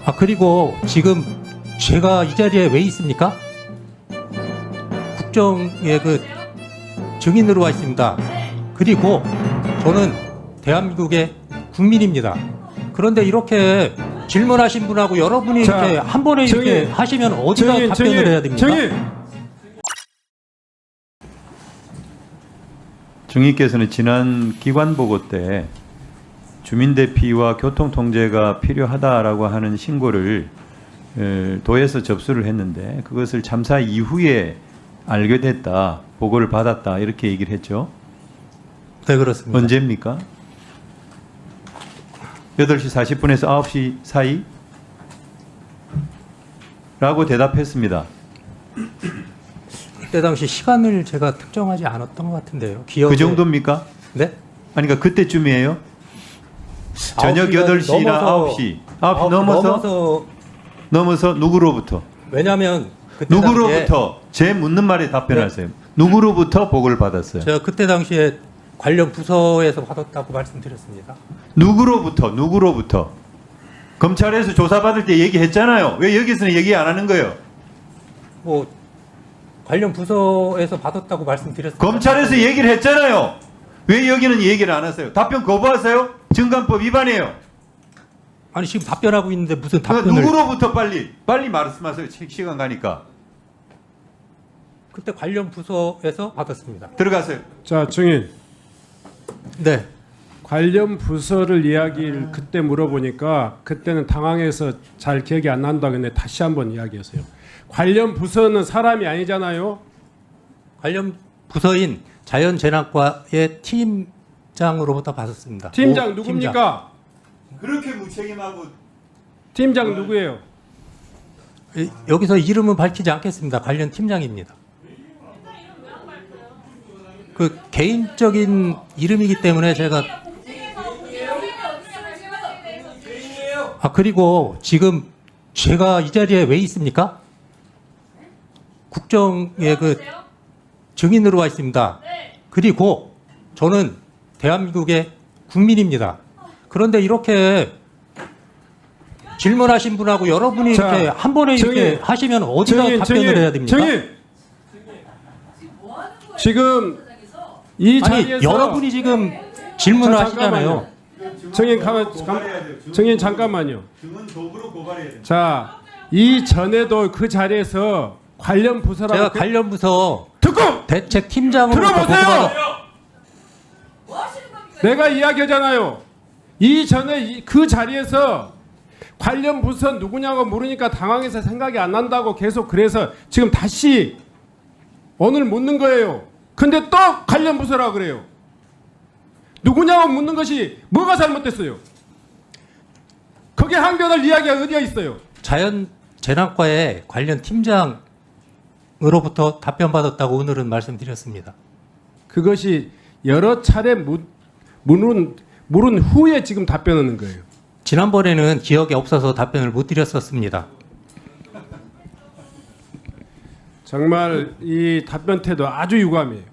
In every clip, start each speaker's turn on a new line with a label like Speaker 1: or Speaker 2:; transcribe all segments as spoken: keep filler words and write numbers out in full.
Speaker 1: 아 그리고 지금 제가 이 자리에 왜 있습니까? 국정의 그 증인으로 와 있습니다. 그리고 저는 대한민국의 국민입니다. 그런데 이렇게 질문하신 분하고 여러분이
Speaker 2: 자,
Speaker 1: 이렇게 한 번에
Speaker 2: 증인,
Speaker 1: 이렇게 하시면 어디다
Speaker 2: 증인,
Speaker 1: 답변을
Speaker 2: 증인,
Speaker 1: 해야 됩니까?
Speaker 2: 증인.
Speaker 3: 증인께서는 지난 기관 보고 때 주민 대피와 교통 통제가 필요하다라고 하는 신고를 에, 도에서 접수를 했는데 그것을 참사 이후에 알게 됐다, 보고를 받았다 이렇게 얘기를 했죠.
Speaker 1: 네, 그렇습니다.
Speaker 3: 언제입니까? 여덟 시 사십 분에서 아홉 시 사이? 라고 대답했습니다.
Speaker 1: 그때 당시 시간을 제가 특정하지 않았던 것 같은데요. 기억에...
Speaker 3: 그 정도입니까?
Speaker 1: 네?
Speaker 3: 아니 그러니까 그때쯤이에요? 저녁 여덟 시나 아홉 시. 아홉 시 넘어서?
Speaker 1: 넘어서
Speaker 3: 넘어서 누구로부터?
Speaker 1: 왜냐하면 그때
Speaker 3: 누구로부터? 제 묻는 말에 답변하세요. 네. 누구로부터 보고를 받았어요?
Speaker 1: 제가 그때 당시에 관련 부서에서 받았다고 말씀드렸습니다.
Speaker 3: 누구로부터? 누구로부터? 검찰에서 조사받을 때 얘기했잖아요. 왜 여기서는 얘기 안 하는 거예요?
Speaker 1: 뭐 관련 부서에서 받았다고 말씀드렸습니다.
Speaker 3: 검찰에서 얘기를 했잖아요. 왜 여기는 얘기를 안 하세요? 답변 거부하세요? 증감법 위반이에요.
Speaker 1: 아니 지금 답변하고 있는데 무슨
Speaker 3: 그러니까
Speaker 1: 답변을?
Speaker 3: 누구로부터 빨리 빨리 말씀하세요. 시간 가니까.
Speaker 1: 그때 관련 부서에서 받았습니다.
Speaker 3: 들어가세요.
Speaker 2: 자, 증인.
Speaker 1: 네.
Speaker 2: 관련 부서를 이야기를 그때 물어보니까 그때는 당황해서 잘 기억이 안 난다고 했는데 다시 한번 이야기하세요. 관련 부서는 사람이 아니잖아요.
Speaker 1: 관련 부서인 자연재난과의 팀장으로부터 받았습니다.
Speaker 2: 팀장
Speaker 1: 오,
Speaker 2: 누굽니까?
Speaker 3: 그렇게 무책임하고
Speaker 2: 팀장 누구예요?
Speaker 1: 팀장. 이- 여기서 이름은 밝히지 않겠습니다. 관련 팀장입니다. 그 개인적인 이름이기 때문에 제가 아 그리고 지금 제가 이 자리에 왜 있습니까? 국정의 그 증인으로 와 있습니다. 그리고 저는 대한민국의 국민입니다. 그런데 이렇게 질문하신 분하고 여러분이
Speaker 2: 자,
Speaker 1: 이렇게 한 번에
Speaker 2: 증인,
Speaker 1: 이렇게 하시면 어디다
Speaker 2: 증인,
Speaker 1: 답변을
Speaker 2: 증인,
Speaker 1: 해야 됩니까?
Speaker 2: 증인. 지금 이
Speaker 1: 아니
Speaker 2: 자리에서
Speaker 1: 여러분이 지금 질문을
Speaker 2: 자,
Speaker 1: 하시잖아요.
Speaker 2: 증인 가만 증인 잠깐만요.
Speaker 3: 증언 도구로 고발해야 돼요.
Speaker 2: 자, 이 전에도 그 자리에서 관련 부서라고
Speaker 1: 제가
Speaker 2: 그-
Speaker 1: 관련 부서
Speaker 2: 듣고
Speaker 1: 대책 팀장으로
Speaker 2: 들어보세요. 내가 이야기하잖아요. 이 전에 이- 그 자리에서 관련 부서 누구냐고 물으니까 당황해서 생각이 안 난다고 계속 그래서 지금 다시 오늘 묻는 거예요. 근데 또 관련 부서라고 그래요. 누구냐고 묻는 것이 뭐가 잘못됐어요? 거기에 항변할 이야기가 어디가 있어요?
Speaker 1: 자연재난과의 관련 팀장으로부터 답변받았다고 오늘은 말씀드렸습니다.
Speaker 2: 그것이 여러 차례 묻, 물은, 물은 후에 지금 답변하는 거예요.
Speaker 1: 지난번에는 기억이 없어서 답변을 못 드렸었습니다.
Speaker 2: 정말 이 답변 태도 아주 유감이에요.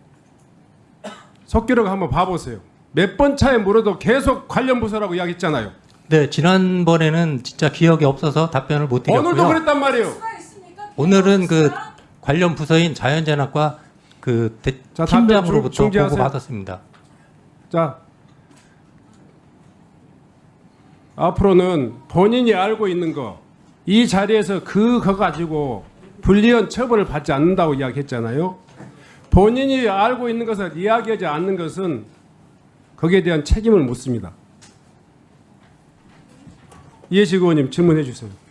Speaker 2: 속기록 한번 봐보세요. 몇 번 차에 물어도 계속 관련 부서라고 이야기했잖아요.
Speaker 1: 네, 지난번에는 진짜 기억이 없어서 답변을 못 드렸고요.
Speaker 2: 오늘도 그랬단 말이에요.
Speaker 1: 오늘은 그 관련 부서인 자연재난과 그 대-
Speaker 2: 자, 답변
Speaker 1: 팀장으로부터
Speaker 2: 중- 중지하세요.
Speaker 1: 보고 받았습니다.
Speaker 2: 자, 앞으로는 본인이 알고 있는 거, 이 자리에서 그거 가지고 불리한 처벌을 받지 않는다고 이야기했잖아요. 본인이 알고 있는 것을 이야기하지 않는 것은 거기에 대한 책임을 묻습니다. 이해식 의원님 질문해 주세요.